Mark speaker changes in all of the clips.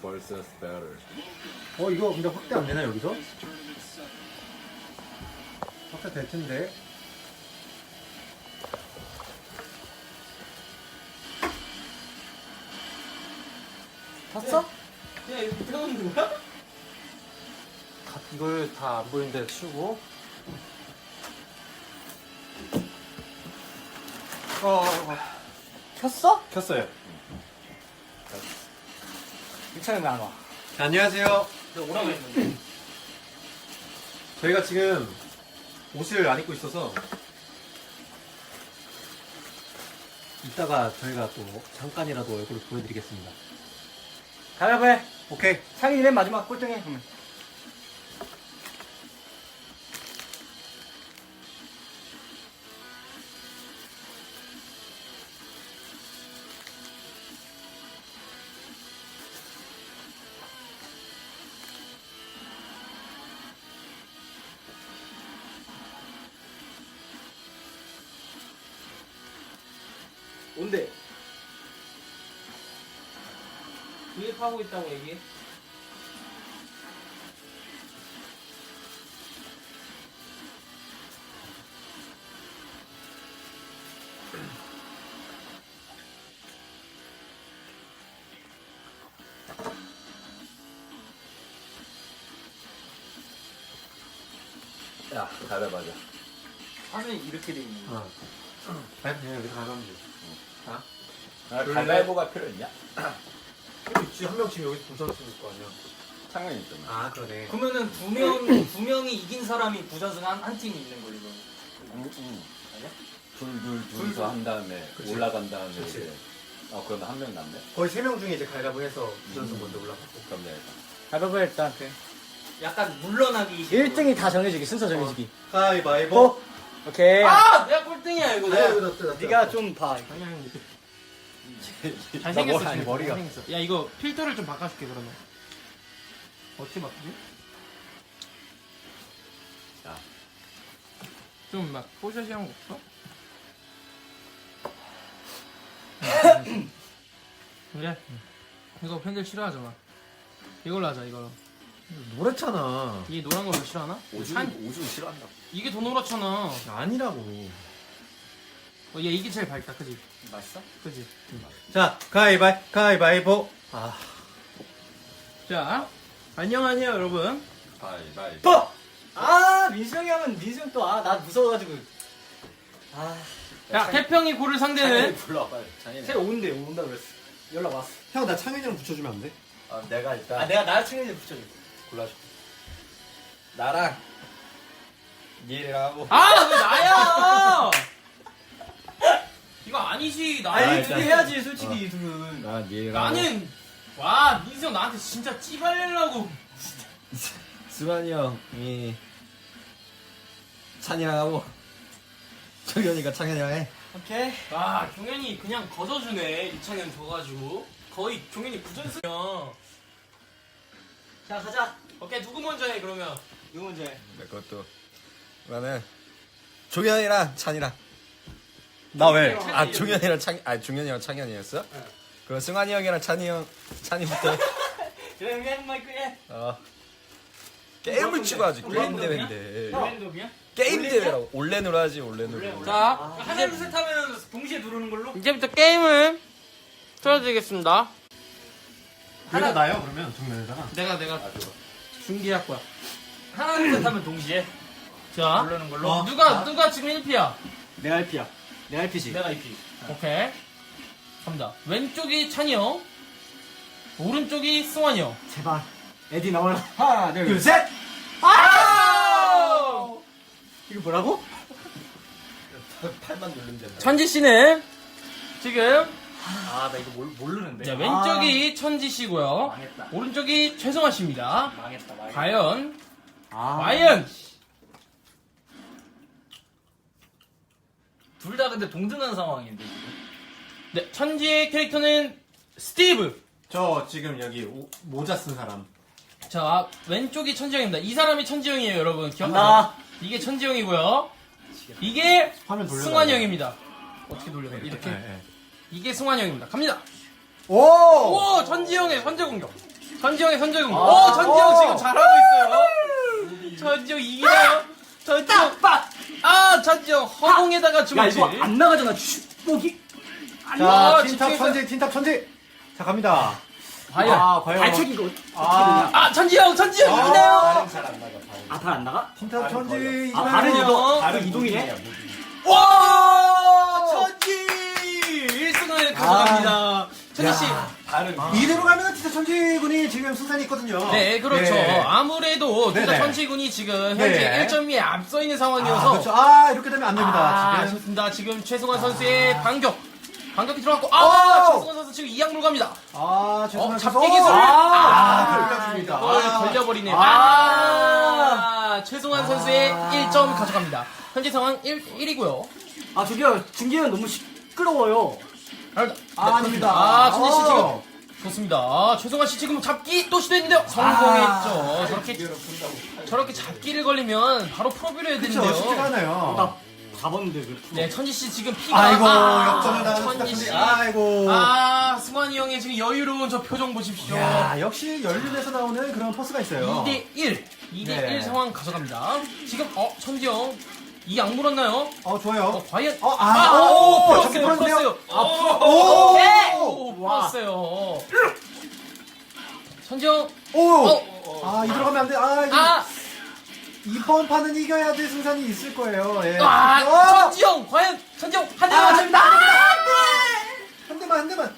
Speaker 1: versus better.
Speaker 2: 이거 근데 확대 안 되나 여기서? 확대 될 텐데.
Speaker 3: 봤어? 야 이거 태우는 거야?
Speaker 2: 이걸 다 안 보이는데 치우고.
Speaker 3: 켰어?
Speaker 2: 켰어요.
Speaker 3: 유찬은 안 와.
Speaker 2: 안녕하세요.
Speaker 3: 내가 오라고 했는데.
Speaker 2: 저희가 지금 옷을 안 입고 있어서 이따가 저희가 또 잠깐이라도 얼굴을 보여드리겠습니다.
Speaker 3: 가위바위보 해.
Speaker 2: 오케이.
Speaker 3: 상인이 맨 마지막 꼴등해. 그러면. 뭔데? 구입하고 있다고 얘기해.
Speaker 1: 야, 가위바위보 하자.
Speaker 3: 화면이 이렇게 돼 있는 거.
Speaker 2: 그냥 여기서 가면 돼.
Speaker 1: 가위바위보가 필요 있냐?
Speaker 2: 있지. 한 명씩 여기서 부선 쓰는 거 아니야?
Speaker 1: 창현이 있잖아.
Speaker 2: 아, 그러네.
Speaker 3: 그러면은 두 명이 이긴 사람이 부전승 한 팀이 있는 거지, 이거. 아니야?
Speaker 1: 둘서 한 다음에
Speaker 2: 그치.
Speaker 1: 올라간 다음에
Speaker 2: 그치.
Speaker 1: 이제 그러면 한 명 남네?
Speaker 2: 거의 3명 중에 이제 가위바위보 해서 부선수 먼저 올라갔고.
Speaker 1: 그럼 내가 일단.
Speaker 3: 가위바위보 일단 약간 물러나기 1등이 다 정해지기, 순서 정해지기.
Speaker 2: 가위바위보.
Speaker 3: 오케이. 아! 내가 꼴등이야, 이거.
Speaker 2: 아야, 여기다 뜨다.
Speaker 3: 네가 좀 봐.
Speaker 4: 잘생겼어
Speaker 1: 아니,
Speaker 4: 지금.
Speaker 1: 머리가.
Speaker 4: 잘생겼어. 야 이거 필터를 좀 바꿔줄게 그러면. 어떻게 바꾸지?
Speaker 1: 자.
Speaker 4: 좀 막 뽀샤시한 거 없어? 그래. 이거 팬들 싫어하잖아. 이걸로 하자 이걸로.
Speaker 2: 노랗잖아.
Speaker 4: 이 노란 걸 더 싫어하나?
Speaker 1: 오줌 싫어한다.
Speaker 4: 이게 더 노랗잖아.
Speaker 2: 아니라고.
Speaker 4: 얘 이게 제일 밝다, 그지?
Speaker 3: 맛있어?
Speaker 4: 그지?
Speaker 2: 자, 가위바위보. 아,
Speaker 4: 자, 안녕하세요 여러분.
Speaker 1: 가위바위보.
Speaker 3: 아, 민수 형이 하면 민수 형 또, 나 무서워가지고.
Speaker 4: 야, 태평이 고를 상대는
Speaker 1: 창현이 불러 빨리. 창현이.
Speaker 3: 새로 온다 그랬어. 연락 왔어.
Speaker 2: 형, 나 창현이랑 붙여주면 안 돼?
Speaker 1: 내가 일단
Speaker 3: 내가 나를 챙겨줘 붙여줘.
Speaker 1: 골라줄게. 나랑 니랑 하고.
Speaker 4: 아, 왜 나야? 이거 아니지.
Speaker 3: 아니,
Speaker 1: 일단.
Speaker 3: 둘이 해야지, 솔직히, 둘은.
Speaker 1: 나 니랑.
Speaker 4: 나는 와 민수 형 나한테 진짜 찌발려고.
Speaker 1: 수만이 형이 찬이랑 하고 정현이가 창현이랑 해.
Speaker 3: 오케이.
Speaker 4: 와 종현이 그냥 거저주네. 이창현 줘가지고 거의 종현이 부전승이야.
Speaker 3: 자, 가자.
Speaker 4: 오케이 누구 먼저 해 그러면?
Speaker 3: 누구 먼저 해?
Speaker 1: 내 것도. 나는 종현이랑 찬이랑.
Speaker 2: 나 왜?
Speaker 1: 아 종현이랑 종현이랑 창현이었어?
Speaker 3: 네.
Speaker 1: 그럼 승환이 형이랑 찬이부터.
Speaker 3: 그래, 우리 한 마이크 해.
Speaker 1: 게임을 치고 하지. 게임
Speaker 3: 올랜도냐?
Speaker 1: 대회인데.
Speaker 4: 랜덤이야?
Speaker 1: 게임
Speaker 3: 올랜도?
Speaker 1: 대회라고. 올레누로 하지 올레누로.
Speaker 4: 자
Speaker 3: 하나, 둘, 셋 하면 동시에 누르는 걸로?
Speaker 4: 이제부터 게임을 틀어드리겠습니다.
Speaker 2: 하나 나요, 그러면 정면에다가.
Speaker 4: 내가 준비할 거야.
Speaker 3: 하나, 둘, 셋 하면 동시에
Speaker 4: 자
Speaker 3: 누르는 걸로?
Speaker 4: 누가 지금 1피야?
Speaker 3: 내가 1피야. 내가 1피지. 내가 2피.
Speaker 4: 오케이 갑니다. 왼쪽이 찬이 형, 오른쪽이 승환이 형.
Speaker 3: 제발. 에디 나와라. 하나, 둘,
Speaker 2: 셋!
Speaker 3: 이거 뭐라고?
Speaker 1: 팔만 누르면 된다.
Speaker 4: 천지 씨는 지금
Speaker 3: 나 이거 모르는데.
Speaker 4: 자, 왼쪽이 천지 씨고요.
Speaker 3: 망했다.
Speaker 4: 오른쪽이 최성화 씨입니다.
Speaker 3: 망했다.
Speaker 4: 과연
Speaker 3: 둘 다 근데 동등한 상황인데, 지금.
Speaker 4: 네, 천지의 캐릭터는 스티브.
Speaker 2: 저 지금 여기 모자 쓴 사람.
Speaker 4: 자, 왼쪽이 천지 형입니다. 이 사람이 천지 형이에요, 여러분.
Speaker 3: 나.
Speaker 4: 기억나요? 이게 천지 형이고요. 이게
Speaker 2: 화면 돌려.
Speaker 4: 승환이 형입니다. 어떻게 돌려요? 이렇게.
Speaker 2: 네.
Speaker 4: 이게 승환이 형입니다. 갑니다.
Speaker 2: 오!
Speaker 4: 오, 천지 형의 선제 공격. 전지형의 선제공. 전지형 지금 잘하고 있어요. 전지형 이기나요? 전지형 전지형 허공에다가
Speaker 3: 야
Speaker 4: 주먹질.
Speaker 3: 이거 안 나가잖아. 축복이.
Speaker 2: 자,
Speaker 4: 집중해서-
Speaker 2: 틴탑 천지. 자, 갑니다.
Speaker 4: 과연.
Speaker 2: 과연.
Speaker 3: 발차기가
Speaker 4: 전지형 이기나요?
Speaker 1: 잘안 나가.
Speaker 3: 발 안 나가?
Speaker 2: 틴탑 천지.
Speaker 3: 아 발은
Speaker 4: 이거-
Speaker 3: 발은 이동이네.
Speaker 4: 와 천지 1승을 가져갑니다. 천지씨.
Speaker 2: 이대로 가면 틴탑 천지군이 지금 승산이 있거든요.
Speaker 4: 네, 그렇죠.
Speaker 2: 네.
Speaker 4: 아무래도
Speaker 2: 네네.
Speaker 4: 투자 천지군이 지금 현재
Speaker 2: 네.
Speaker 4: 1점이 앞서 있는
Speaker 2: 아,
Speaker 4: 상황이어서
Speaker 2: 그렇죠. 이렇게 되면 안 됩니다. 지금.
Speaker 4: 좋습니다. 지금 최승환 선수의 반격이 들어갔고 최승환 선수 지금 이악물 갑니다.
Speaker 2: 죄송합니다.
Speaker 4: 잡기 기술.
Speaker 2: 걸렸습니다.
Speaker 4: 이걸 걸려버리네요. 최승환 선수의 1점 가져갑니다. 현재 상황 1이고요.
Speaker 3: 저기요 중계는 너무 시끄러워요.
Speaker 2: 아닙니다.
Speaker 4: 천지 씨 지금 좋습니다. 최승환 씨 지금 잡기 또 시도했는데요. 성공했죠. 저렇게 잡기를 걸리면 바로 프로뷰를 해야
Speaker 2: 그렇죠. 쉽지가
Speaker 4: 되는데요.
Speaker 2: 않아요.
Speaker 3: 나 잡았는데 왜?
Speaker 4: 네, 천지 씨 지금 피가
Speaker 2: 아이고, 역전을 당한 틴탑
Speaker 4: 천지
Speaker 2: 천지.
Speaker 4: 씨.
Speaker 2: 아이고.
Speaker 4: 승환이 형의 지금 여유로운 저 표정 보십시오.
Speaker 2: 야, 역시 연륜에서 나오는 그런 퍼스가 있어요.
Speaker 4: 2대1
Speaker 2: 네.
Speaker 4: 상황 가져갑니다. 지금 천지 형 이 악 물었나요?
Speaker 2: 좋아요.
Speaker 4: 과연
Speaker 2: 잡기
Speaker 4: 풀었어요.
Speaker 2: 풀었네요.
Speaker 4: 오, 풀었어요. 천지 형
Speaker 2: 이 들어가면 안 돼. 이번 판은 이겨야 될 승산이 있을 거예요. 예.
Speaker 4: 천지 형 과연 천지 형 한 대만 맞습니다.
Speaker 2: 한 대만.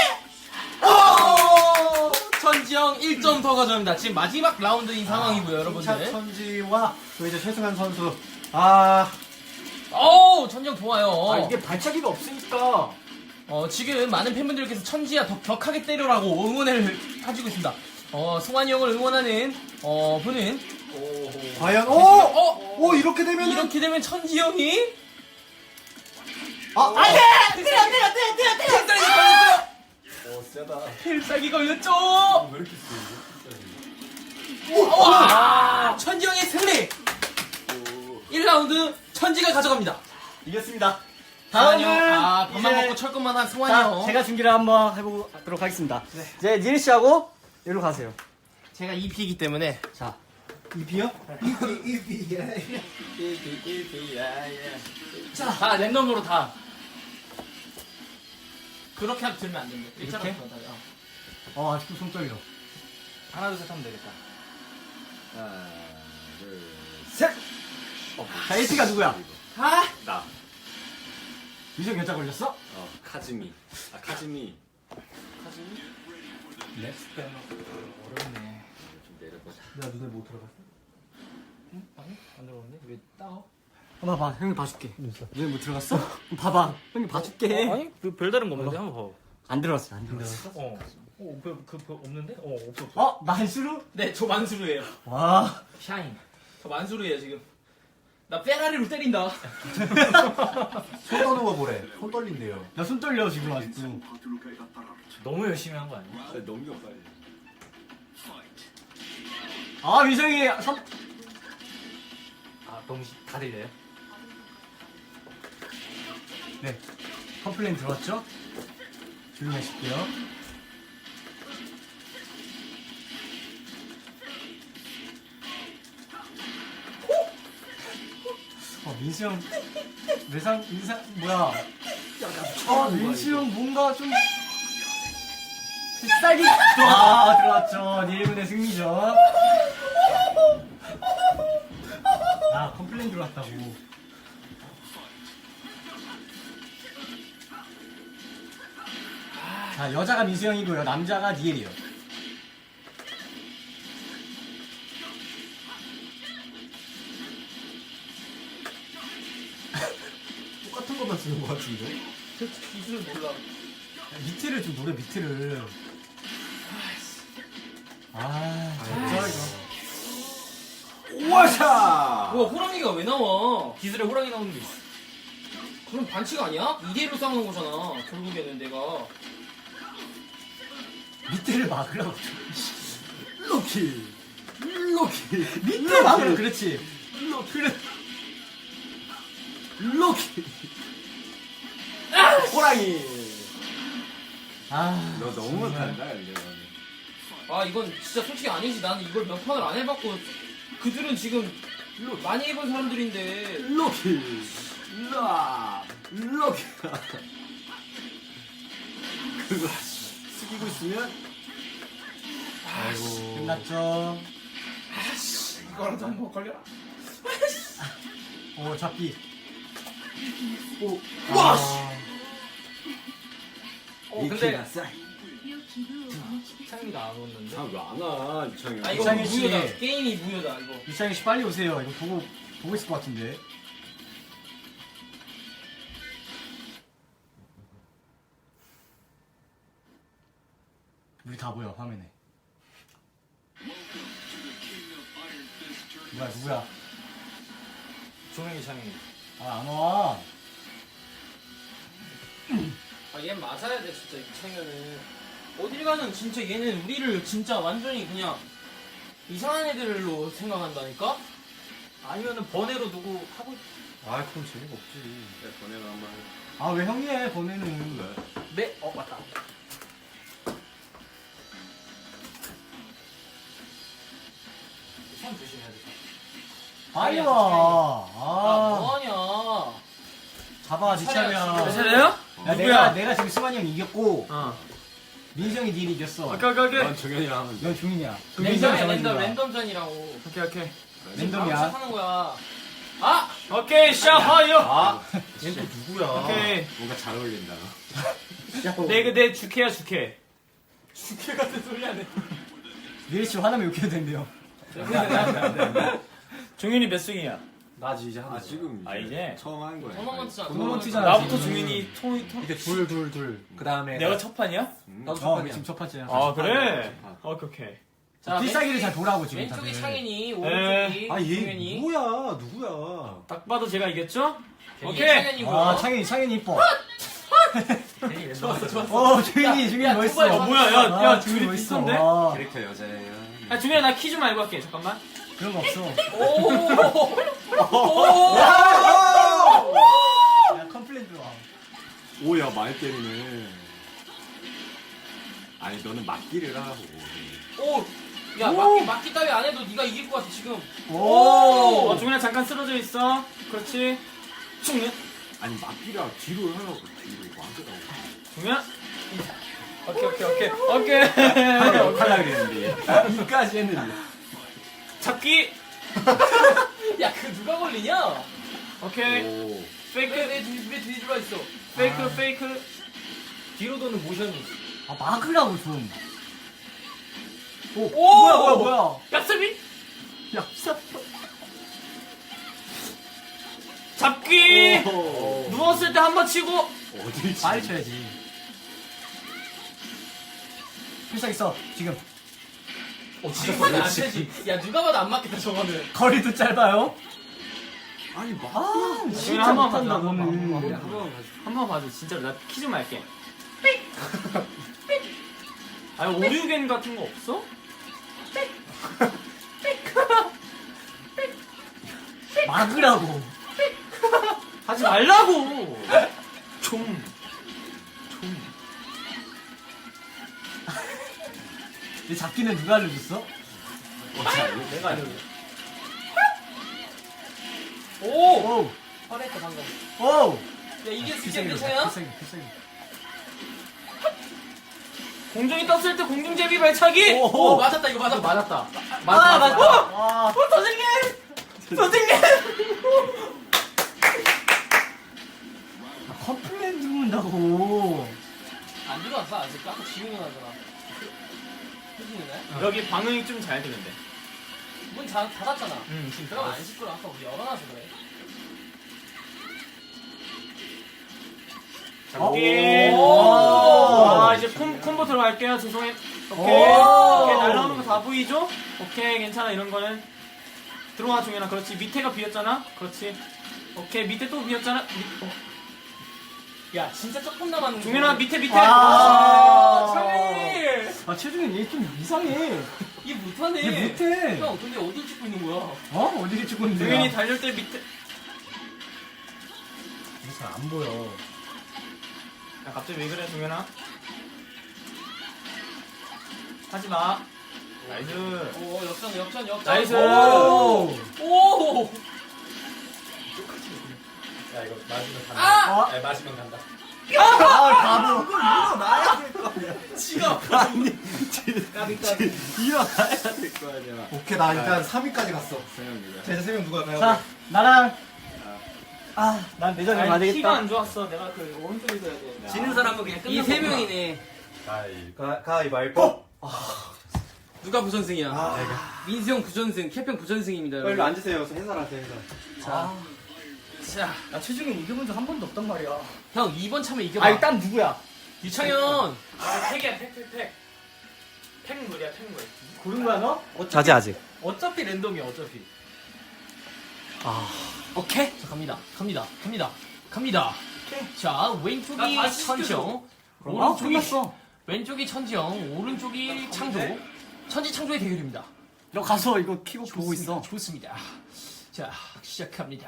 Speaker 4: 천지 형 1점 더 가져갑니다. 지금 마지막 라운드인 상황이고요, 여러분들.
Speaker 2: 천지와 또 이제 최승환 선수.
Speaker 4: 천지 형 좋아요.
Speaker 3: 이게 발차기가 없으니까.
Speaker 4: 지금 많은 팬분들께서 천지야 더 격하게 때려라고 응원을 해주고 있습니다. 승환이 형을 응원하는 분은
Speaker 2: 과연 이렇게 되면
Speaker 4: 이렇게 되면 천지 형이 필살기 걸렸어요.
Speaker 1: 세다.
Speaker 4: 필살기 걸렸죠.
Speaker 1: 왜 이렇게 세?
Speaker 4: 천지 형의 승리. 1라운드 천지가 가져갑니다.
Speaker 2: 이겼습니다.
Speaker 4: 다음은 밥만
Speaker 3: 이제-
Speaker 4: 먹고 철것만 한 승환이 형.
Speaker 3: 제가 중계를 한번 해보도록 하겠습니다. 이제 니엘 씨하고 여기로 가세요.
Speaker 4: 제가 2피이기 때문에
Speaker 3: 자,
Speaker 2: 이비요?
Speaker 4: 다 랜덤으로 다 그렇게 들면 안 됩니다.
Speaker 3: 이렇게? 아직도 손 떨려.
Speaker 4: 하나 둘 셋 하면 되겠다.
Speaker 1: 하나, 둘,
Speaker 2: 셋.
Speaker 3: 자, 1피가 누구야?
Speaker 1: 나.
Speaker 3: 유정 여자 걸렸어?
Speaker 1: 카즈미. 카즈미.
Speaker 4: 어렵네.
Speaker 1: 좀 내려보자.
Speaker 2: 내가 눈에 못 들어갔어?
Speaker 4: 아니 안 들어오는데 왜 따가?
Speaker 3: 한번 봐, 형이 봐줄게. 눈에 못 들어갔어? 봐봐, 형이 봐줄게.
Speaker 4: 아니 그 별다른 거 없는데 한번 봐.
Speaker 3: 안 들어갔어, 안 들어갔어.
Speaker 4: 그 없는데? 없어.
Speaker 3: 만수루?
Speaker 4: 네, 저 만수르예요.
Speaker 3: 와.
Speaker 4: 샤인. 저 만수르예요 지금. 나 페라리로 때린다.
Speaker 2: 손 떠는 거 보래. 손 떨린대요.
Speaker 3: 나 손 떨려, 지금 아직도.
Speaker 4: 너무 열심히 한 거 아니야?
Speaker 1: 넘겨 빨리.
Speaker 3: 위성이
Speaker 4: 너무 다 들려요?
Speaker 3: 네. 컴플레인 들어왔죠? 조용히 하실게요. 민수 형, 인상, 뭐야. 민수 형 뭔가 좀. 쌀기. 들어왔죠. 니일군의 승리죠. 컴플레인 들어왔다고. 자, 여자가 민수 형이고요. 남자가 니엘이요.
Speaker 2: 똑같은 것만 쓰는 것 같은데.
Speaker 4: 기술 몰라.
Speaker 3: 밑을 좀 노래 밑을. 진짜 이거.
Speaker 2: 와샤.
Speaker 4: 호랑이가 왜 나와? 기술에 호랑이 나오는 게 있어. 그럼 반칙 아니야? 2대1로 싸우는 거잖아. 결국에는 내가.
Speaker 3: 밑을 막으라고.
Speaker 2: 로키.
Speaker 3: 밑을 막으라고. 그렇지.
Speaker 2: 로키. 호랑이.
Speaker 1: 너 너무 못한다 근데.
Speaker 4: 아 이건 진짜 솔직히 아니지. 나는 이걸 몇 판을 안 해봤고 그들은 지금 많이 해본 사람들인데.
Speaker 1: 로키 로키 그거 숙이고 있으면
Speaker 2: 아이고.
Speaker 5: 끝났죠.
Speaker 4: 이거라도 한번 걸려라.
Speaker 5: 오 잡기. 오.
Speaker 4: 와,
Speaker 5: 아,
Speaker 4: 근데 창이가 안 오는데.
Speaker 1: 아왜안 와? 이창이
Speaker 4: 아 이거
Speaker 5: 이창희 씨.
Speaker 4: 무효다. 게임이 무효다 이거.
Speaker 5: 이창희 씨 빨리 오세요. 이거 보고 있을 것 같은데. 우리 다 보여 화면에. 누구야?
Speaker 3: 종현이 창이.
Speaker 5: 아 안 와.
Speaker 4: 아얘 맞아야 돼 진짜 이창현은. 어딜 가는 진짜 얘는 우리를 진짜 완전히 그냥 이상한 애들로 생각한다니까?
Speaker 3: 아니면은 번외로 누구 하고
Speaker 2: 아 그럼 재미가 없지.
Speaker 1: 네, 번외로 한번 해.
Speaker 5: 아 왜 형이 해 보내는.
Speaker 3: 네? 맞다. 손 조심해야 돼.
Speaker 5: 빨리
Speaker 4: 아니야,
Speaker 5: 와.
Speaker 4: 아
Speaker 5: 아
Speaker 4: 뭐하냐.
Speaker 5: 잡아 네 차례야.
Speaker 4: 내
Speaker 3: 차례요?
Speaker 5: 야, 내가 지금 승환이 형 이겼고
Speaker 3: 어.
Speaker 5: 민수 형이 니를 이겼어.
Speaker 3: 오케이.
Speaker 1: 난 정현이랑 하면 돼.
Speaker 5: 넌 종인이야.
Speaker 4: 랜덤전이라고.
Speaker 3: 오케이.
Speaker 5: 랜덤이야.
Speaker 4: 하는 거야. 아!
Speaker 3: 오케이, 샤하요.
Speaker 2: 아, 얘 또 누구야?
Speaker 3: 오케이.
Speaker 1: 뭔가 잘 어울린다.
Speaker 3: 내 주캐야 주캐.
Speaker 4: 죽게 같은 소리 하네.
Speaker 5: 니리 씨 화나면 욕해도 된대요.
Speaker 3: 종윤이 몇 승이야?
Speaker 2: 나지 이제 하나.
Speaker 1: 아 지금
Speaker 3: 아, 이제?
Speaker 1: 처음 하는 거야.
Speaker 4: 토너먼트잖아.
Speaker 5: 토너먼트잖아.
Speaker 3: 나부터
Speaker 5: 지금.
Speaker 3: 종윤이 통.
Speaker 2: 이제 둘. 그 다음에
Speaker 3: 내가 첫 판이야?
Speaker 2: 나도 첫
Speaker 5: 어
Speaker 2: 판이야.
Speaker 5: 지금 첫 번째야.
Speaker 3: 아 그래?
Speaker 1: 첫 판.
Speaker 3: 오케이.
Speaker 4: 자,
Speaker 5: 필살기를 잘 보라고 지금
Speaker 4: 왼쪽이
Speaker 5: 다들.
Speaker 4: 창현이, 오른쪽이
Speaker 2: 아얘
Speaker 4: 종현이.
Speaker 2: 누구야?
Speaker 3: 딱 봐도 제가 이겼죠?
Speaker 4: 이게
Speaker 3: 오케이.
Speaker 4: 창현이고요.
Speaker 5: 아 창현이 이뻐.
Speaker 4: 좋았어.
Speaker 5: 종인이
Speaker 4: 야,
Speaker 5: 멋있어.
Speaker 4: 두발
Speaker 3: 어, 뭐야, 야,
Speaker 5: 아,
Speaker 3: 종인이
Speaker 5: 멋있어.
Speaker 3: 비슷한데?
Speaker 5: 아,
Speaker 1: 캐릭터 여자예요.
Speaker 3: 아 종윤아 나 키 좀 알고 할게. 잠깐만.
Speaker 5: 그런 거 없어.
Speaker 4: 오!
Speaker 5: 야 컴플레인 들어와.
Speaker 1: 오야 많이 때리네. 아니 너는 맞기를 하고.
Speaker 4: 오! 야, 막기 따위 안 해도 네가 이길 것 같아, 지금.
Speaker 3: 어, 종윤아 잠깐 쓰러져 있어. 그렇지. 종윤.
Speaker 1: 아니 맞기를 하고 뒤로 하라고 뒤로 맞으라고.
Speaker 3: 종윤아. 오케이.
Speaker 1: 할라 그랬는데.
Speaker 5: 이까지 했는데.
Speaker 3: 잡기.
Speaker 4: 야, 그 누가 걸리냐?
Speaker 3: 오케이.
Speaker 1: 오.
Speaker 3: 페이크.
Speaker 4: 왜 뒤에 들어와 있어?
Speaker 3: 페이크.
Speaker 4: 뒤로 도는 모션이.
Speaker 5: 아 막으라고 좀. 오,
Speaker 4: 오!
Speaker 5: 뭐야?
Speaker 3: 얍삽이.
Speaker 5: 얍삽.
Speaker 3: 잡기.
Speaker 1: 오.
Speaker 3: 누웠을 때 한 번 치고.
Speaker 1: 어딜
Speaker 5: 빨리
Speaker 1: 치?
Speaker 5: 쳐야지. 필살기 써 지금.
Speaker 4: 지금은 안 되지. 야, 누가 봐도 안 맞겠다, 저거는.
Speaker 5: 거리도 짧아요.
Speaker 1: 아니 막.
Speaker 5: 아 진짜
Speaker 3: 한번
Speaker 5: 못한다
Speaker 3: 가자,
Speaker 5: 너는.
Speaker 3: 한 번 봐줘. 진짜로 나 키 좀 할게. 아니 오류겐 같은 거 없어?
Speaker 5: 막으라고.
Speaker 3: 하지 말라고. 좀.
Speaker 5: 내 잡기는 누가 알려줬어?
Speaker 3: 내가 알려줘.
Speaker 4: 오!
Speaker 5: 오,
Speaker 4: 화냈다, 방금.
Speaker 5: 오.
Speaker 4: 야, 이게
Speaker 5: 필살기
Speaker 4: 괜찮아?
Speaker 5: 필살기.
Speaker 3: 공중이 떴을 때 공중제비 발차기.
Speaker 4: 오, 맞았다, 이거 맞았다.
Speaker 3: 맞았다.
Speaker 5: 맞다.
Speaker 3: 어!
Speaker 5: 와.
Speaker 3: 선생님.
Speaker 5: 컴플레인 들어온다고.
Speaker 4: 안 들어왔어, 아직. 아까 지우는 하잖아. 해주네?
Speaker 3: 여기 방음이 좀 잘 되는데.
Speaker 4: 문 닫았잖아.
Speaker 3: 지금
Speaker 4: 그럼 안 시끄러. 아까 우리 열어놔서 그래.
Speaker 3: 잡기.
Speaker 5: 오.
Speaker 3: 아 이제 콤보 들어갈게요. 죄송해요. 오케이.
Speaker 5: 오.
Speaker 3: 오케이 날라오는 거 다 보이죠? 오케이 괜찮아 이런 거는. 들어와 종현아. 그렇지. 밑에가 비었잖아. 그렇지. 오케이 밑에 또 비었잖아.
Speaker 4: 야, 진짜 조금 남았는데.
Speaker 3: 종현아 밑에.
Speaker 5: 아.
Speaker 4: 창현이!
Speaker 5: 아 최준현 얘 좀 이상해.
Speaker 4: 얘 못하네.
Speaker 5: 얘 못해.
Speaker 4: 형, 근데 어딜 찍고 있는 거야?
Speaker 5: 어? 어디게 찍고 있는데?
Speaker 3: 종현이 달릴 때 밑에.
Speaker 5: 잘안 보여.
Speaker 3: 야 갑자기 왜 그래 종현아? 하지마. 나이스.
Speaker 4: 오 역전.
Speaker 3: 나이스.
Speaker 4: 오.
Speaker 2: 야 이거 마시면 간다.
Speaker 4: 아!
Speaker 2: 야 마시면 간다.
Speaker 5: 바보.
Speaker 1: 일어나야 될 거 아니야.
Speaker 4: 지가.
Speaker 1: 까비. 일어나야 될 거 아니야.
Speaker 5: 오케이, 나 일단 3위까지 갔어.
Speaker 1: 세영이가.
Speaker 5: 제자 3명 누가 가요?
Speaker 6: 자, 나랑. 난 내전에
Speaker 3: 아니, 키가
Speaker 6: 맞으겠다.
Speaker 3: 안 좋았어. 내가 그 오른쪽에 있어야 돼.
Speaker 4: 지는 사람은 그냥 이 세 명이네.
Speaker 5: 가위바위보.
Speaker 4: 누가 부전승이야? 민수 형 부전승, 캡형 부전승입니다.
Speaker 6: 일로
Speaker 4: 여러분.
Speaker 6: 앉으세요. 해설하세요, 해설.
Speaker 4: 자,
Speaker 6: 나 최중에 이겨본 적 한 번도 없단 말이야.
Speaker 4: 형 2번 참에 이겨봐.
Speaker 6: 아, 딴 누구야?
Speaker 4: 유창현.
Speaker 3: 아, 팩이야, 팩. 팩물이야, 팩물.
Speaker 6: 고른 거야, 너?
Speaker 3: 어차피, 아직. 어차피 랜덤이야, 어차피.
Speaker 4: 오케이. 자, 갑니다. 자, 왼쪽이
Speaker 3: 나 다시
Speaker 4: 천지영, 오른쪽이 왼쪽이 천지영, 오른쪽이 창조. 천지창조의 대결입니다.
Speaker 6: 너 가서 이거 키고 보고 있어.
Speaker 4: 좋습니다. 자, 시작합니다.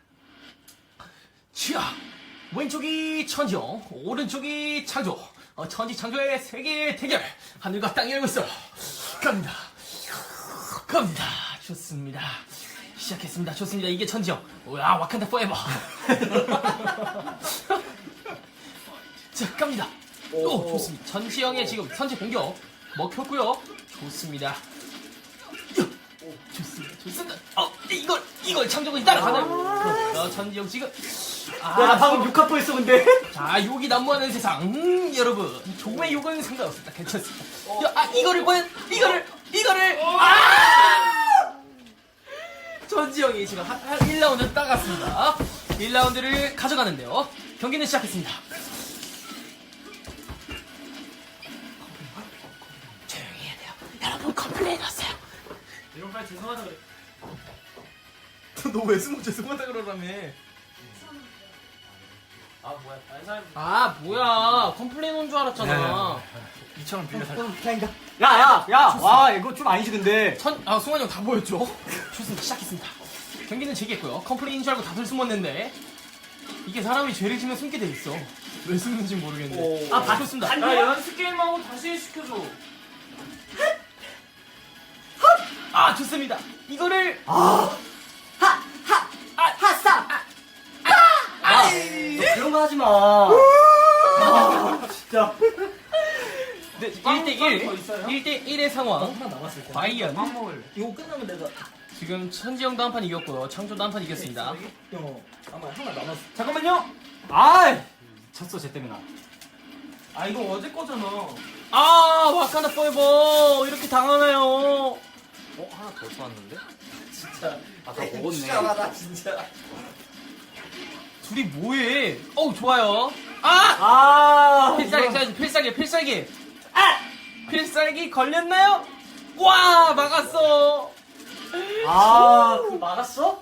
Speaker 4: 자, 왼쪽이 천지영, 오른쪽이 창조. 천지창조의 세계 대결. 하늘과 땅이 열고 있어. 갑니다. 좋습니다. 시작했습니다. 좋습니다. 이게 천지영. 와, 와칸다 포에버. 자, 갑니다. 오, 좋습니다. 천지영의 지금 선제 공격 먹혔고요. 좋습니다. 좋습니다. 이걸 창조군이 따라가나요? 그렇죠. 천지영 지금.
Speaker 6: 나 방금 욕하고 했어, 근데.
Speaker 4: 자, 욕이 난무하는 세상. 여러분. 조금의 욕은 상관없습니다. 괜찮습니다. 이거를. 천지영이 지금 1라운드 따갔습니다. 1라운드를 가져가는데요. 경기는 시작했습니다. 조용히 해야 돼요. 여러분, 컴플레인 왔어요.
Speaker 3: 이런 말 죄송하다 그래.
Speaker 5: 너 왜 숨어 죄송하다 그러라며.
Speaker 3: 아, 뭐야. 다른 사람.
Speaker 4: 아, 뭐야. 컴플레인 온 줄 알았잖아.
Speaker 3: 이처럼 빌려 살.
Speaker 6: 야! 와, 이거 좀 아니지, 근데.
Speaker 4: 승환이 형 다 보였죠? 좋습니다. 시작했습니다. 경기는 제기했고요. 컴플레인인 줄 알고 다들 숨었는데, 이게 사람이 죄를 지면 숨게 돼 있어. 왜 숨는지 모르겠는데. 좋습니다.
Speaker 3: 야, 연습 게임하고 다시 시켜줘.
Speaker 4: 좋습니다. 이거를.
Speaker 6: 너 그런 거 하지 마. 진짜.
Speaker 4: 네,
Speaker 3: 빵 더
Speaker 4: 1대1.
Speaker 3: 있어요?
Speaker 4: 1대1의 상황.
Speaker 6: 하나 남았을 때.
Speaker 4: 과연.
Speaker 3: 빵 먹을래.
Speaker 6: 이거 끝나면 내가.
Speaker 4: 지금 천지영도 한 판 이겼고요. 창조도 한 판 이겼습니다.
Speaker 6: 아마 하나 남았어.
Speaker 3: 잠깐만요.
Speaker 6: 졌어, 쟤 때문에 나.
Speaker 3: 아, 이거 어제 거잖아.
Speaker 4: 와칸다 포에버. 이렇게 당하나요?
Speaker 1: 하나 더 쏘았는데?
Speaker 3: 진짜.
Speaker 1: 아까 먹었네.
Speaker 2: 진짜하다 진짜.
Speaker 4: 둘이 뭐해? 좋아요. 필살기. 필살기 걸렸나요? 와, 막았어.
Speaker 6: 그거 막았어?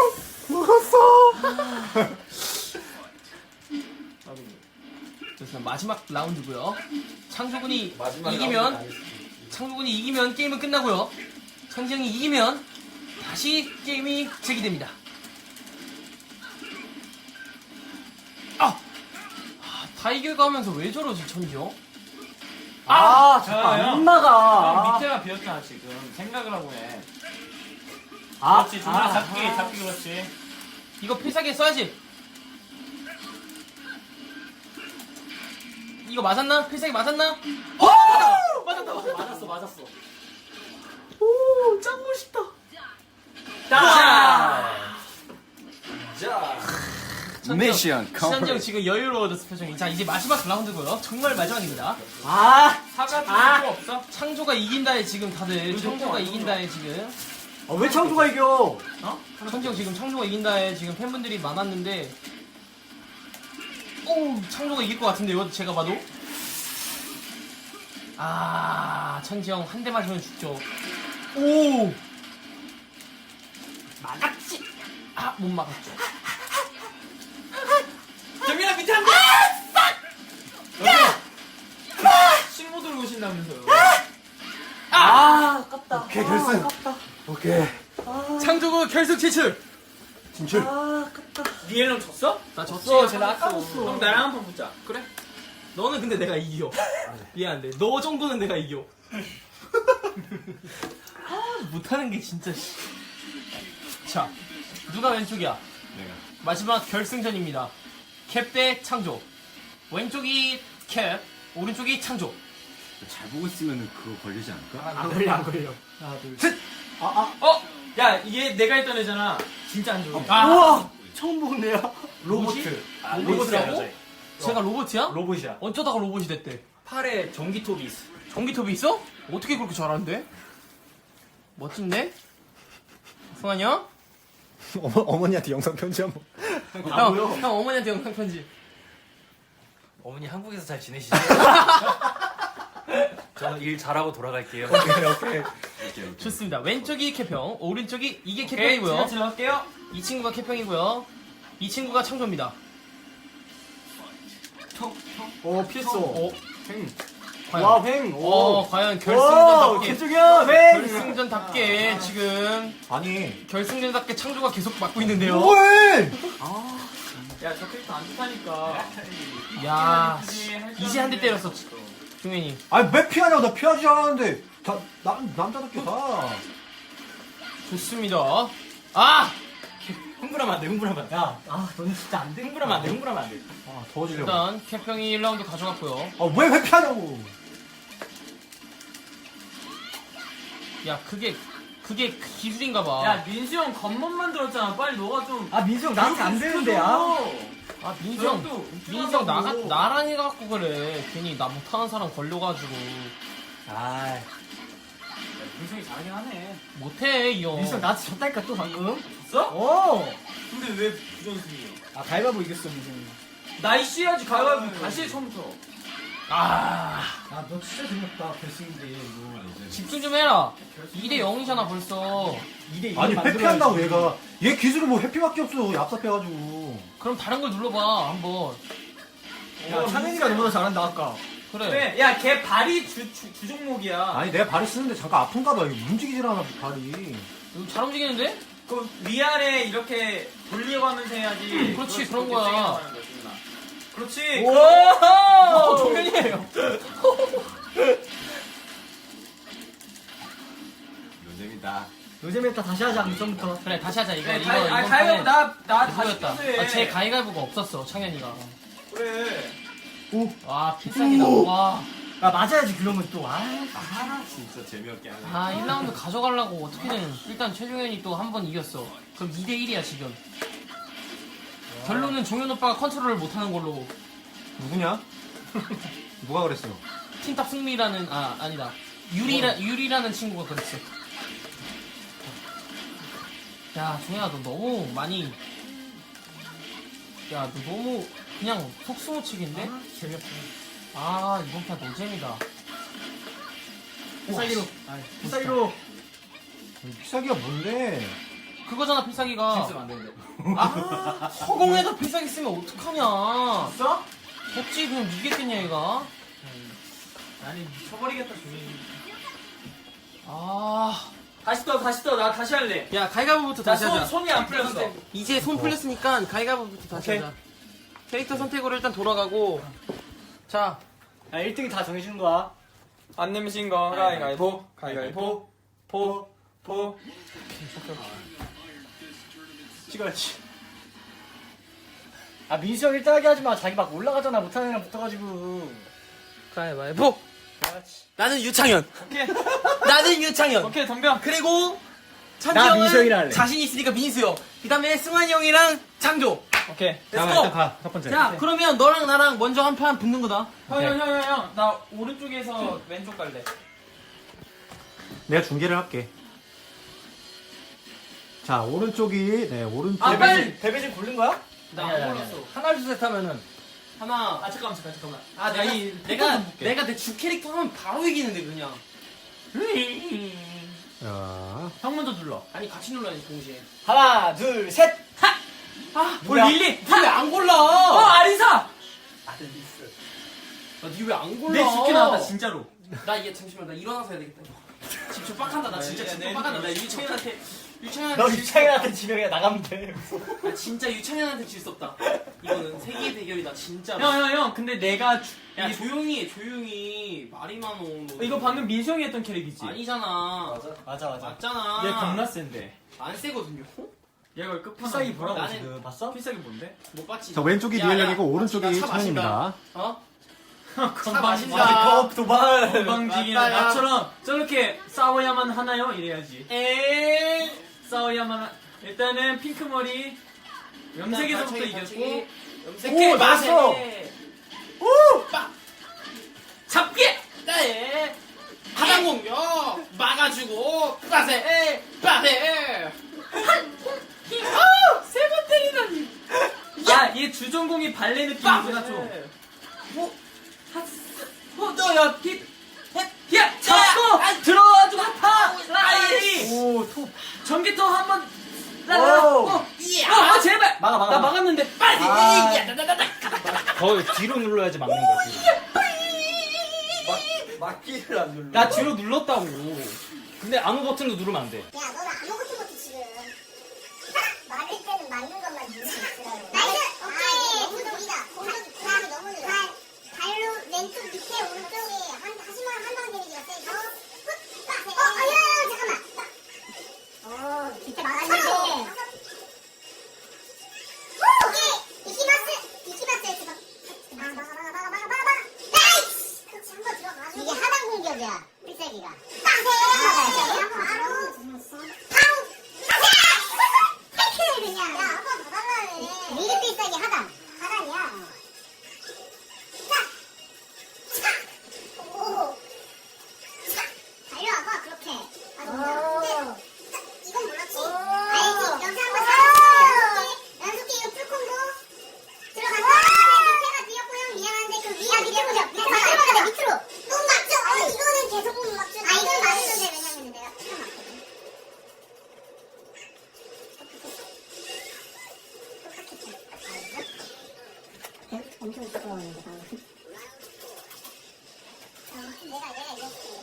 Speaker 4: 좋습니다. 마지막 라운드고요. 창조군이
Speaker 2: 마지막
Speaker 4: 이기면
Speaker 2: 라운드
Speaker 4: 창조군이 이기면 게임은 끝나고요. 천지영이 이기면 다시 게임이 재개됩니다. 다 이겨가면서 왜 저러지 천지영?
Speaker 6: 잠깐,
Speaker 3: 야.
Speaker 6: 안 나가.
Speaker 3: 형 밑에가 비었잖아, 지금. 생각을 하고 해. 그렇지, 정말 잡기 그렇지.
Speaker 4: 이거 필살기 써야지. 이거 맞았나? 필살기 맞았나?
Speaker 6: 맞았어.
Speaker 4: 짱 멋있다.
Speaker 1: 미션
Speaker 4: 천지영 지금 여유로워졌어 표정이. 자, 이제 마지막 라운드고요. 정말 마지막입니다.
Speaker 3: 사과 줄 거 없어?
Speaker 4: 창조가 이긴다에 지금 다들 창조가 이긴다에 지금
Speaker 6: 왜 창조가 이겨?
Speaker 4: 천지영 지금 창조가 이긴다에 지금 팬분들이 많았는데 창조가 이길 것 같은데요, 제가 봐도. 천지영 한 대 맞으면 죽죠. 막았지. 못 막았죠.
Speaker 3: 정민아 밑에 한 대! 신고 들고 오신다면서요.
Speaker 6: 아깝다.
Speaker 5: 오케이, 결승. 오케이.
Speaker 4: 창조가 결승 진출.
Speaker 3: 니엘랑 졌어?
Speaker 4: 나 졌어.
Speaker 6: 쟤는 아까 졌어.
Speaker 3: 그럼 나랑 한 판 붙자.
Speaker 4: 그래? 너는 근데 내가 이겨. 미안한데 너 정도는 내가 이겨. 못하는 게 진짜. 자, 누가 왼쪽이야?
Speaker 1: 내가.
Speaker 4: 마지막 결승전입니다. 캡 대 창조. 왼쪽이 캡, 오른쪽이 창조.
Speaker 1: 잘 보고 있으면 그거 걸리지 않을까?
Speaker 6: 안 걸려 안 걸려. 하나 둘 셋.
Speaker 3: 어? 야, 얘 내가 했던 애잖아. 진짜 안 좋아.
Speaker 4: 아,
Speaker 6: 우와 처음 보는 애야.
Speaker 3: 로보트.
Speaker 4: 로봇이라고? 제가 로봇이야?
Speaker 3: 로봇이야.
Speaker 4: 어쩌다가 로봇이 됐대?
Speaker 3: 팔에 전기톱이 있어.
Speaker 4: 전기톱이 있어? 어떻게 그렇게 잘하는데? 멋진데? 승환이 형?
Speaker 2: 어머니한테 영상 편지 한번.
Speaker 4: 형 어머니한테 영상 편지.
Speaker 1: 어머니 한국에서 잘 지내시죠? 저는 일 잘하고 돌아갈게요.
Speaker 2: 오케이.
Speaker 4: 좋습니다. 왼쪽이 캡형, 오른쪽이 이게
Speaker 3: 오케이,
Speaker 4: 캡형이고요.
Speaker 3: 제가 들어갈게요.
Speaker 4: 이 친구가 캡형이고요. 이 친구가 창조입니다.
Speaker 6: 피했어.
Speaker 4: 과연?
Speaker 6: 와 횡.
Speaker 4: 과연
Speaker 6: 오
Speaker 4: 결승전답게
Speaker 6: 개쪽이야 횡.
Speaker 4: 결승전답게 지금
Speaker 2: 아니.
Speaker 4: 결승전답게 창조가 계속 맡고 있는데요.
Speaker 2: 뭐해?
Speaker 3: 야, 저 캐릭터 안 좋다니까.
Speaker 4: 야, 이제 한 대 때렸어, 종현이.
Speaker 2: 아니 왜 피하냐고 나 피하지 않았는데. 남자답게 가.
Speaker 4: 좋습니다. 아,
Speaker 3: 흥분하면 안 돼, 흥분하면 안 돼.
Speaker 6: 너는 진짜 안 돼.
Speaker 3: 흥분하면 안 돼, 흥분하면 안 돼.
Speaker 2: 아 더워지려고.
Speaker 4: 일단 캡형이 1라운드 가져갔고요.
Speaker 2: 아왜 피하냐고.
Speaker 4: 야, 그게 기술인가봐.
Speaker 3: 야, 민수 형 겉멋 만들었잖아. 빨리 너가 좀.
Speaker 6: 민수 형 나한테 안 되는데
Speaker 4: 아, 민수 형,
Speaker 3: 또
Speaker 4: 민수 형 나랑 해갖고 그래. 괜히 나 못하는 사람 걸려가지고.
Speaker 6: 아
Speaker 3: 민수 형이 잘하긴 하네.
Speaker 4: 못해, 이 형.
Speaker 6: 민수 형 나한테 졌다니까 또 방금.
Speaker 3: 졌어? 근데 왜 부전승이에요?
Speaker 6: 가위바위보 이겼어 민수 형이.
Speaker 3: 나이스 해야지, 가위바위보. 다시 해, 처음부터.
Speaker 6: 너 진짜 재밌다 결승인데 이거.
Speaker 4: 집중 좀 해라. 2대 0이잖아, 벌써.
Speaker 6: 2대 2
Speaker 2: 아니 회피한다고 얘가. 얘 기술은 뭐 회피밖에 없어. 얍삽해가지고.
Speaker 4: 그럼 다른 걸 눌러봐, 한번.
Speaker 6: 야 창현이가 너보다 잘한다 아까.
Speaker 4: 그래.
Speaker 3: 그래, 야, 걔 발이 주 종목이야.
Speaker 2: 아니 내가 발이 쓰는데 잠깐 아픈가 봐. 이거 움직이질 않아 발이.
Speaker 4: 이거 잘 움직이는데?
Speaker 3: 그 위아래 이렇게 돌려가면서 해야지.
Speaker 4: 그렇지,
Speaker 3: 그렇게
Speaker 4: 그런 거야.
Speaker 3: 세게 나가는 거야, 지훈아. 그렇지.
Speaker 4: 종현이에요.
Speaker 1: 노잼이다.
Speaker 6: 노잼했다 다시 하자 처음부터.
Speaker 4: 그래, 다시 하자, 이거.
Speaker 3: 그래,
Speaker 4: 이거,
Speaker 3: 가위바위보 나 다시
Speaker 4: 그거였다.
Speaker 3: 해.
Speaker 4: 제 가위가위보가 없었어, 창현이가.
Speaker 3: 그래.
Speaker 4: 와, 필살기다. 와.
Speaker 6: 맞아야지 그러면 또.
Speaker 1: 진짜 재미없게 하네.
Speaker 4: 1라운드 가져가려고 어떻게든 일단 최종현이 또 한 번 이겼어. 그럼 2대 1이야, 지금. 결론은 종현 오빠가 컨트롤을 못하는 걸로.
Speaker 2: 누구냐? 누가 그랬어?
Speaker 4: 팀탑 승리라는, 아니다. 유리라는 친구가 그랬어. 야, 종현아, 너 너무 많이. 야, 너 너무 그냥 속수무책인데?
Speaker 6: 재미없어.
Speaker 4: 이번 판 노잼이다.
Speaker 6: 필살기로. 필살기로.
Speaker 2: 피사기가 뭔데?
Speaker 4: 그거잖아, 필살기가.
Speaker 3: 쓰면 안 되는데.
Speaker 4: 허공에다 필살기 쓰면 어떡하냐.
Speaker 3: 졌어?
Speaker 4: 졌지, 그냥 이겼겠냐, 얘가.
Speaker 3: 아니, 미쳐버리겠다, 종현이. 다시 떠. 나 다시 할래.
Speaker 4: 야, 가위가위보부터
Speaker 3: 나
Speaker 4: 다시 하자.
Speaker 3: 손이 안 풀렸어.
Speaker 4: 이제 손 풀렸으니까 가위가위보부터 다시 하자. 캐릭터 선택으로 일단 돌아가고. 자,
Speaker 6: 1등이 다 정해주는 거야.
Speaker 3: 안 내미신 거 가위바위보. 포.
Speaker 6: 찍어야지. 민수 형 1등 하게 하지 마. 자기 막 올라가잖아. 못하는 애랑 붙어가지고.
Speaker 4: 가위바위보.
Speaker 6: 그렇지.
Speaker 4: 나는 유창현.
Speaker 3: 오케이.
Speaker 4: 나는 유창현.
Speaker 3: 오케이, 덤벼.
Speaker 4: 그리고
Speaker 6: 나
Speaker 4: 창조
Speaker 6: 민수 형이랑
Speaker 4: 형은
Speaker 6: 할래.
Speaker 4: 자신 있으니까 민수 형. 그 다음에 승환이 형이랑 창조.
Speaker 3: 오케이.
Speaker 4: 렛츠고.
Speaker 2: 첫 번째.
Speaker 4: 자, 그러면 너랑 나랑 먼저 한 판 붙는 거다.
Speaker 3: 형. 나 오른쪽에서 왼쪽 갈래.
Speaker 2: 내가 중계를 할게. 자 오른쪽이 오른쪽.
Speaker 6: 데뷔진 고른 거야?
Speaker 4: 나 안 골랐어.
Speaker 6: 하나 둘 셋 하면은.
Speaker 4: 하나.
Speaker 3: 잠깐만.
Speaker 4: 내가 내 주 캐릭터 하면 바로 이기는데 그냥.
Speaker 2: 자.
Speaker 3: 형 먼저 눌러.
Speaker 4: 아니 같이 눌러야지 동시에.
Speaker 6: 하나 둘 셋.
Speaker 3: 뭘 릴리?
Speaker 4: 니왜안 골라?
Speaker 3: 아리사!
Speaker 4: 니왜 안 골라?
Speaker 3: 내 죽게 나왔다, 진짜로.
Speaker 4: 나 얘 잠시만 나 일어나서 해야 되겠다. 지금 빡한다. 나 진짜 지금 빡한다. 나 유창현한테
Speaker 6: 너 유창현한테 지면 그냥 나가면 돼.
Speaker 4: 나 진짜 유창현한테 질 수 없다. 이거는 세계의 대결이다 진짜.
Speaker 3: 형 근데 내가
Speaker 4: 야 조용히 해 조용히 말이 많어. 너.
Speaker 3: 이거 방금 민성이 했던 캐릭이지?
Speaker 4: 아니잖아.
Speaker 6: 맞아.
Speaker 4: 맞잖아.
Speaker 3: 얘 겁나 센데.
Speaker 4: 안 세거든요.
Speaker 3: 얘가 필살기 보라고
Speaker 4: 나는-
Speaker 3: 지금.
Speaker 6: 봤어?
Speaker 3: 필살기 뭔데?
Speaker 4: 못 봤지.
Speaker 5: 자 왼쪽이
Speaker 4: 야,
Speaker 5: 리얼형이고
Speaker 4: 야,
Speaker 5: 오른쪽이
Speaker 4: 차
Speaker 5: 찬현입니다.
Speaker 4: 어?
Speaker 3: 건방
Speaker 4: 마신다.
Speaker 6: 도발.
Speaker 3: 건방지기는
Speaker 4: 맞다, 야.
Speaker 3: 나처럼 저렇게 싸워야만 하나요? 이래야지.
Speaker 4: 에이.
Speaker 3: 싸워야만 일단은 핑크머리 염색에서부터 이겼고
Speaker 4: 염색해.
Speaker 6: 오, 나왔어.
Speaker 3: 잡기!
Speaker 4: 네. 하단 공격 막아주고 빠세 빠세. 세번 때리다니.
Speaker 3: 야, 얘 주전공이 발레 느낌이구나 좀. 너야 힙, 힙, 잡고 들어와주고 파 라이.
Speaker 6: 오, 톱.
Speaker 3: 전기톱 한번
Speaker 6: 오.
Speaker 3: 제발.
Speaker 6: 막아.
Speaker 3: 나 막았는데 빨리.
Speaker 6: 더 뒤로 눌러야지 막는 거지.
Speaker 2: 막기를 안 눌러.
Speaker 6: 나 뒤로 눌렀다고. 근데 아무 버튼도 누르면 안 돼.
Speaker 7: 야, 너는 아무것도 못해, 지금. 말할 때는 맞는 것만 누르고 있으라고. 나이스! 오케이! 공격이다. 공격, 그다음에 너무 느려. 발로 왼쪽 밑에 오른쪽에 하지만 한방 데미지가 세죠? 잠깐만. 밑에 막았는데. 오케이! 이키마스! 지금. 막아. 나이스! 그렇지, 한번 들어가가지고. 이게 하단 공격이야, 필살기가. 빠세! 바로! 그냥. 야, 아빠 더 달라네. 미리 필살기 하단이야. 오. 달려와봐, 그렇게. 근데, 이건 몰랐지? 알지? 여기 한번 연속해, 이거 풀콤보. 들어간다. 밑에가 비었고요. 미안한데, 그 위에 밑에 보자. 밑으로. 못 맞죠? 이거는 계속 못 맞죠? 이건 맞아도 돼. 왜냐면 내가 풀어 맞거든. 엄청 부끄러웠는데 방금. 내가 이겼지.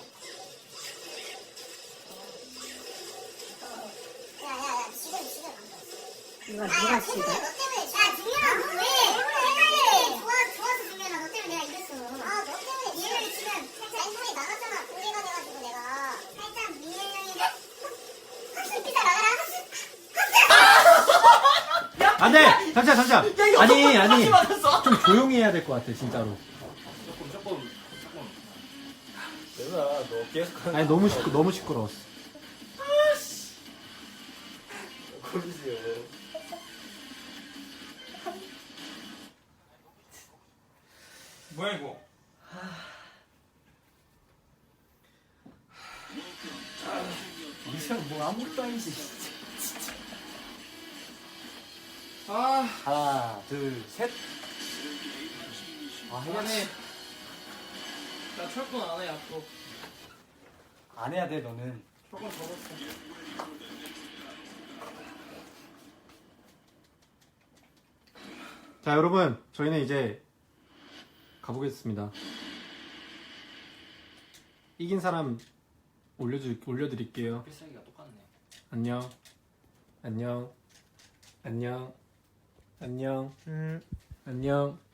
Speaker 7: 야야야 지금 안 돼. 누가 지금? 너 때문에. 야 중현아 너 왜? 헷갈려. 좋아서 중현아 너 때문에 내가 이겼어. 너 때문에 얘를 지금 살짝 인상이 나갔잖아. 공개가 돼가지고 내가 살짝 민현 형이 학습 피자 나가라
Speaker 5: 안돼 잠시만. 아니
Speaker 3: 맞았어.
Speaker 5: 좀 조용히 해야 될 것 같아 진짜로.
Speaker 1: 조금.
Speaker 2: 내가 너 계속 하는
Speaker 5: 아니 너무 시끄러웠어.
Speaker 2: 거리지요.
Speaker 3: 뭐야 이거?
Speaker 6: 이상 뭐 아무것도 아니지. 하나, 둘, 셋.
Speaker 4: 미안해. 나 철권 안 해 앞으로.
Speaker 6: 안 해야 돼, 너는.
Speaker 4: 철권 접었어.
Speaker 5: 자 여러분 저희는 이제 가보겠습니다. 이긴 사람 올려드릴게요.
Speaker 4: 필살기가 똑같네.
Speaker 5: 안녕. 안녕.